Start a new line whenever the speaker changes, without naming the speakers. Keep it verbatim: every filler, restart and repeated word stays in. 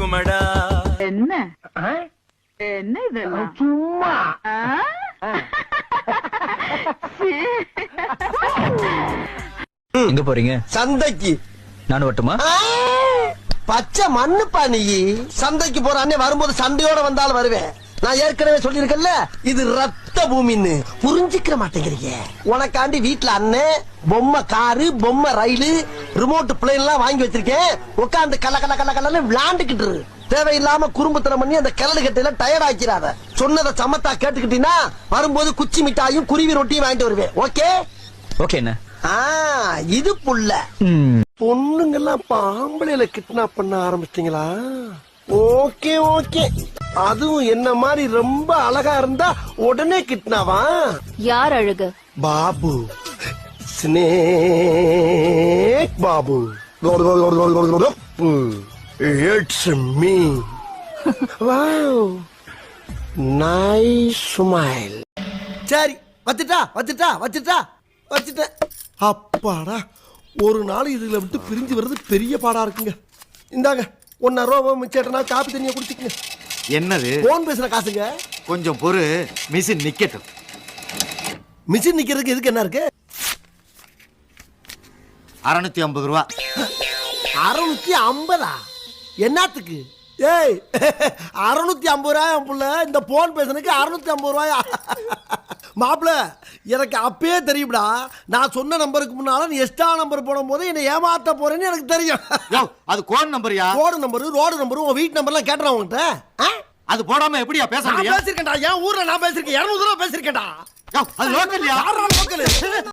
இருக்குமடா.
என்ன என்ன இதெல்லாம்
சும்மா
எங்க போறீங்க?
சந்தைக்கு.
நானும் வட்டுமா?
பச்சை மண்ணுப்பா நீ. சந்தைக்கு போற அண்ணே வரும்போது சண்டையோட வந்தாலும் வருவேன். நான் ஏற்கனவே சொல்லியிருக்கேன்ல, இது ரத்த பூமின்னு புரிஞ்சுக்கிற மாட்டேங்கிறீங்க. உனக்காண்டி வீட்டுல அண்ணன் பொம்மை காரு, பொம்மை ரயிலு, ரிமோட் பிளேன் எல்லாம் வாங்கி வச்சிருக்கேன். உட்காந்து கல்ல கல்ல கல்ல கல்லன்னு விளாண்டுக்கிட்டு இரு. தேவையில்லாம குறும்புத்தனம் பண்ணி அந்த கிளடு கட்டையில டயர்ட் ஆக்கிறாத. சொன்னதை சமத்தா கேட்டுக்கிட்டீங்கன்னா வரும்போது குச்சி மிட்டாயும் குருவி ரொட்டியும் வாங்கிட்டு வருவேன். ஓகே
ஓகே என்ன?
இது புள்ள பொண்ணுங்கெல்லாம் பாம்பளையில கிட்னாப் பண்ண ஆரம்பிச்சிட்டீங்களா? Okay okay. அதுவும் என்ன மாதிரி ரொம்ப அழகா இருந்தா உடனே கிட்னாவா?
யார் அழகு?
Babu, snake Babu. It's me. Wow, nice smile. சரி, வச்சுட்டா வச்சுட்டா வச்சுட்டா வச்சுட்டேன். அப்பாடா, ஒரு நாள் இதுல விட்டு பிரிஞ்சு வர்றது பெரிய பாடா இருக்குங்க. இந்தாங்க ஒன்னா ரூபா மிச்சேட்டனா காப்பி தண்ணியை குடிச்சிக்கங்க.
என்னது?
போன் பேசுற காசுங்க.
கொஞ்சம் பொறு, மிஷின் நிக்கட்டும்.
மிஷின் நிக்கிறதுக்கு எதுக்கு என்ன இருக்கு?
அறுநூத்தி ஐம்பது ரூபா.
அறுநூத்தி ஐம்பதா? என்னத்துக்கு? ஏய், அறுநூத்தி ஐம்பது ரூபாய் புள்ள, இந்த போன் பேசுறதுக்கு அறுநூத்தி ஐம்பது ரூபாயா? மாப்பிள்ள, எனக்கு அப்பயே தெரியும்டா. நான் சொன்ன நம்பருக்கு முன்னால நீ எக்ஸ்ட்ரா நம்பர் போடும் போது என்ன ஏமாத்த போறேன்னு எனக்கு தெரியும்.
அது கோட் நம்பர்யா?
கோடு நம்பரு, ரோடு நம்பரு, உன் வீட்டு நம்பர்லாம் கேட்டுறேன் உங்ககிட்ட.
அது போடாம எப்படியா பேச முடியும்?
பேசிருக்கேன்டா, என் ஊர்ல நான் பேசிருக்கேன். இருநூறு ரூபா பேசிருக்கேன்டா.
அது லோக்கல்யா?
லோக்கல்